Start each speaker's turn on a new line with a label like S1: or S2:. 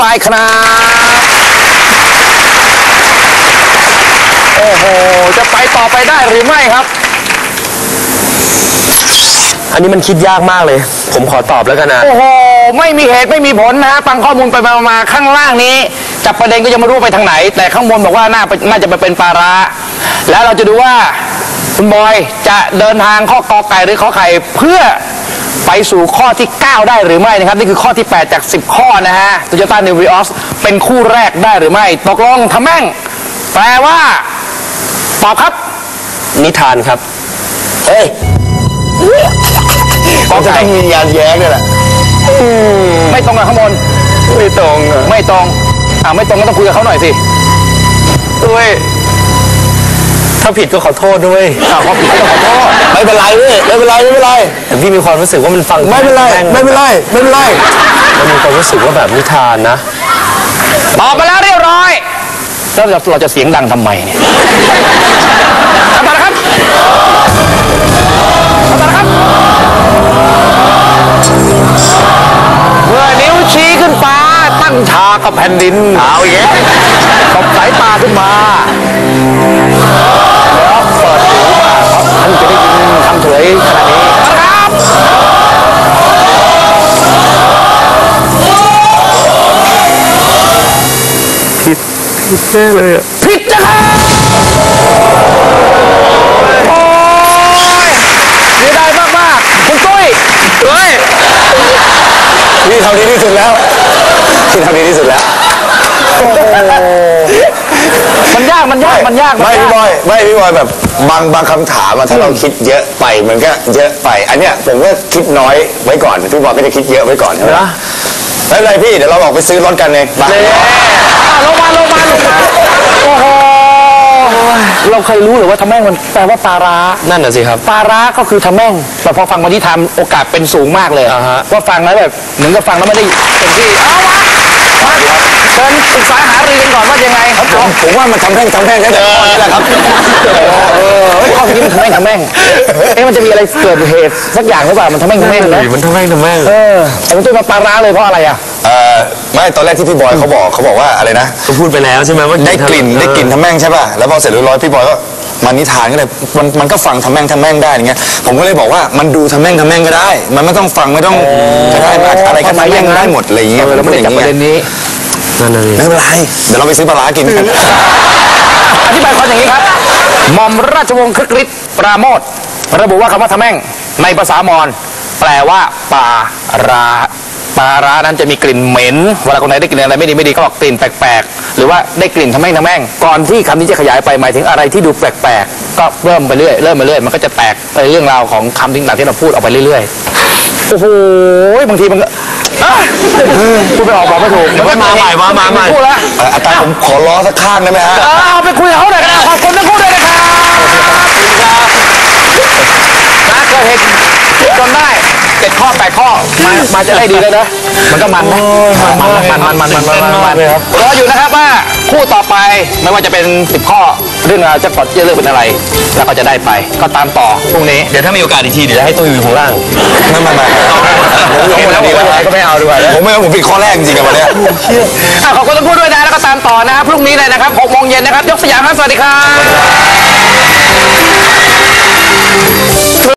S1: ไปครับโอ้โหจะไปต่อไปได้หรือไม่ครับ
S2: อันนี้มันคิดยากมากเลยผมขอตอบแล้วกันนะ
S1: โอ้โหไม่มีเหตุไม่มีผลนะฮะฟังข้อมูลไปมาข้างล่างนี้จับประเด็นก็ยังไม่รู้ไปทางไหนแต่ข้างบนบอกว่าน่าจะไปเป็นปลาร้าแล้วเราจะดูว่าคุณบอยจะเดินทางข้อกอไก่หรือข้อไข่เพื่อไปสู่ข้อที่9ได้หรือไม่นะครับนี่คือข้อที่8จาก10ข้อนะฮะ Toyota New Vios เป็นคู่แรกได้หรือไม่ตกลงทำแม่งแปลว่าตอบครับ
S2: นิทานครับ
S1: เฮ้ย
S2: ก็จะต้องมีงานแย้งด้วยแหละ
S1: ไม่ตรงกับข้างบน
S2: ไม่ตรง
S1: ไม่ตรงไม่ตรงก็ต้องคุยกับเขาหน่อยสิ
S2: ด้วยถ้าผิดก็ขอโทษด้วย
S1: พอผิดก็ต้องขอโทษ
S2: ไม่เป็นไรเลยไม่เป็นไรแต่พี่มีความรู้สึกว่ามันฟังไม่เป็นไรมันมีความรู้สึกว่าแบบนิทานนะ
S1: ตอบมาแล้วเรียบร้อยแล้วเราจะเสียงดังทำไมเนี่ยทำมาแล้วครับเมื่อนิ้วชี้ขึ้นฟ้าตั้งฉากกับแผ่นดินเอาอย่างนี้ตบสายตาขึ้นมาแล้วเปิดหูมาเพราะท่านจะได้ยินคำเฉลยขนาดนี้ครับ
S2: ผิดแน่เลย
S1: ผิดนะครับโอ้ยเสียดายมากคุณตุ้ย
S2: พี่ทำดีที่สุดแล้ว
S1: มันยากไม่
S2: พี่บอยแบบบางคำถามถ้าเราคิดเยอะไปมันก็เยอะไปอันเนี้ยผมก็คิดน้อยไว้ก่อนพี่บอยก็จะคิดเยอะไว้ก่อนใช่ไหมไม่เป็นไรพี่เดี๋ยวเราออกไปซื้อรถกันเลย
S1: ลงมาโอ้โหเราเคยรู้หรือว่าทำแม่งมันแปลว่าปลาร้า
S2: นั่นน่ะสิครับ
S1: ปลาร้าก็คือทำแม่งแต่พอฟังวันที่ทำโอกาสเป็นสูงมากเลยว่าฟังแล้วแบบเหมือนกับฟังแล้วไม่ได้เต็มที่เชิญปรึกษาหารือกันก่อนว่ายังไงครับ
S2: ผมว่ามันทำแม่งแค่แต่ข้อนี้แหละครับ
S1: ข้อนี้มันทำแม่งมันจะมีอะไรเกิดเหตุสักอย่างหรือเปล่ามันทำแม่งนะ
S2: มันทำแม่ง
S1: แต่มันตัวมาปลาร้าเลยเพราะอะไร
S2: ไม่ตอนแรกที่พี่บอยเขาบอกว่าอะไรนะเขาพูดไปแล้วใช่ไหมว่าได้กลิ่นทำแม่งใช่ป่ะแล้วพอเสร็จเรียบร้อยพี่บอยก็มานิทานก็เลยมันก็ฟังทำแม่งได้อย่างเงี้ยผมก็เลยบอกว่ามันดูทำแม่งก็ได้มันไม่ต้องฟังไม่ต้องก็ได้อะไรก็ทำแม่งได้หมดอะไรอย่างเงี้ย
S1: เราไม่ได้จับประเด็นนี้
S2: นั่นเลยไม่เป็นไรเดี๋ยวเราไปซื้อปลาร้ากินกัน
S1: อธิบายความอย่างนี้ครับหม่อมราชวงศ์คึกฤทธิ์ปราโมทระบุว่าคำว่าทำแม่งในภาษามอญแปลว่าปลาร้านั้นจะมีกลิ่นเหม็นเวลาคนไหนได้กลิ่นอะไรไม่ดีก็บอกกลิ่นแปลกๆหรือว่าได้กลิ่นทำแม่งก่อนที่คำนี้จะขยายไปหมายถึงอะไรที่ดูแปลกๆก็เริ่มไปเรื่อยมันก็จะแตกไปเรื่องราวของคำต่างๆที่เราพูดออกไปเรื่อยๆโอ้โหบางทีมันก็พูดไปออกบอกไม่ถูก
S2: มันมาใหม่
S1: พูดแล้ว
S2: อาจารย์ผมขอล้อสักข้างได้ไหมฮะ
S1: เอาไปคุยกับเขาหน่อยกันนะขอบคุณทั้งคู่ด้วยนะครับเกิดเหตุจนได้7 ข้อ 8 ข้อมาจะได้ดีเลยนะมันก็มันนะมันรออยู่นะครับว่าคู่ต่อไปไม่ว่าจะเป็น10 ข้อเรื่องราวจะปลดจะเลือกเป็นอะไรแล้วก็จะได้ไปก็ตามต่อพรุ่งนี้
S2: เดี๋ยวถ้ามีโอกาสอีกทีเดี๋ยวให้ตัวอยู่ข้างล่างไม่ก็ไม่เอาด้วยผมผิดข้อแรกจริงๆกับวันนี้
S1: ขอบคุณทั้งคู่ด้วยนะแล้วก็ตามต่อนะครับพรุ่งนี้เลยนะครับ 6 โมงเย็นนะครับยกสยามครับสวัสดีครับ